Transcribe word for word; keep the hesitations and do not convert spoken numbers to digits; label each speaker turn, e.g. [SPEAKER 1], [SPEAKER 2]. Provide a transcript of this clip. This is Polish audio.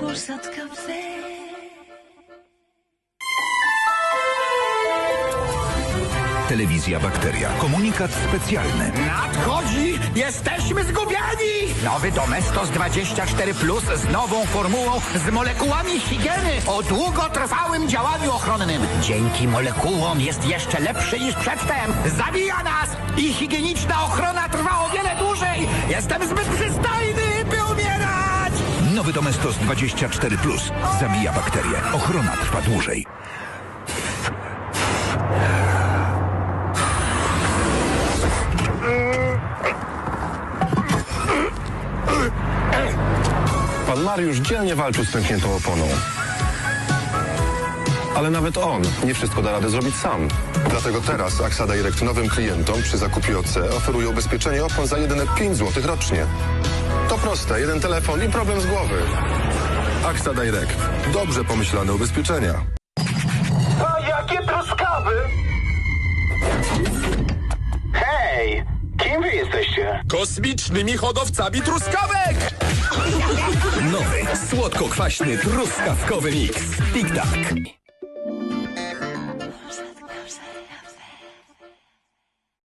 [SPEAKER 1] zat café.
[SPEAKER 2] Telewizja Bakteria. Komunikat specjalny.
[SPEAKER 3] Nadchodzi! Jesteśmy zgubieni! Nowy Domestos dwadzieścia cztery plus z nową formułą, z molekułami higieny o długotrwałym działaniu ochronnym. Dzięki molekułom jest jeszcze lepszy niż przedtem. Zabija nas! I higieniczna ochrona trwa o wiele dłużej! Jestem zbyt przystojny, by umierać!
[SPEAKER 2] Nowy Domestos dwadzieścia cztery plus. Zabija bakterie. Ochrona trwa dłużej.
[SPEAKER 4] Pan Mariusz dzielnie walczył z pękniętą oponą. Ale nawet on nie wszystko da radę zrobić sam.
[SPEAKER 5] Dlatego teraz AXA Direct nowym klientom przy zakupie O C oferuje ubezpieczenie opon za jedyne pięć złotych rocznie. To proste, jeden telefon i problem z głowy. AXA Direct. Dobrze pomyślane ubezpieczenia.
[SPEAKER 6] A jakie truskawy! Hej! Kim wy jesteście?
[SPEAKER 7] Kosmicznymi hodowcami truskawek! Nowy, słodko-kwaśny truskawkowy miks. Tic Tac.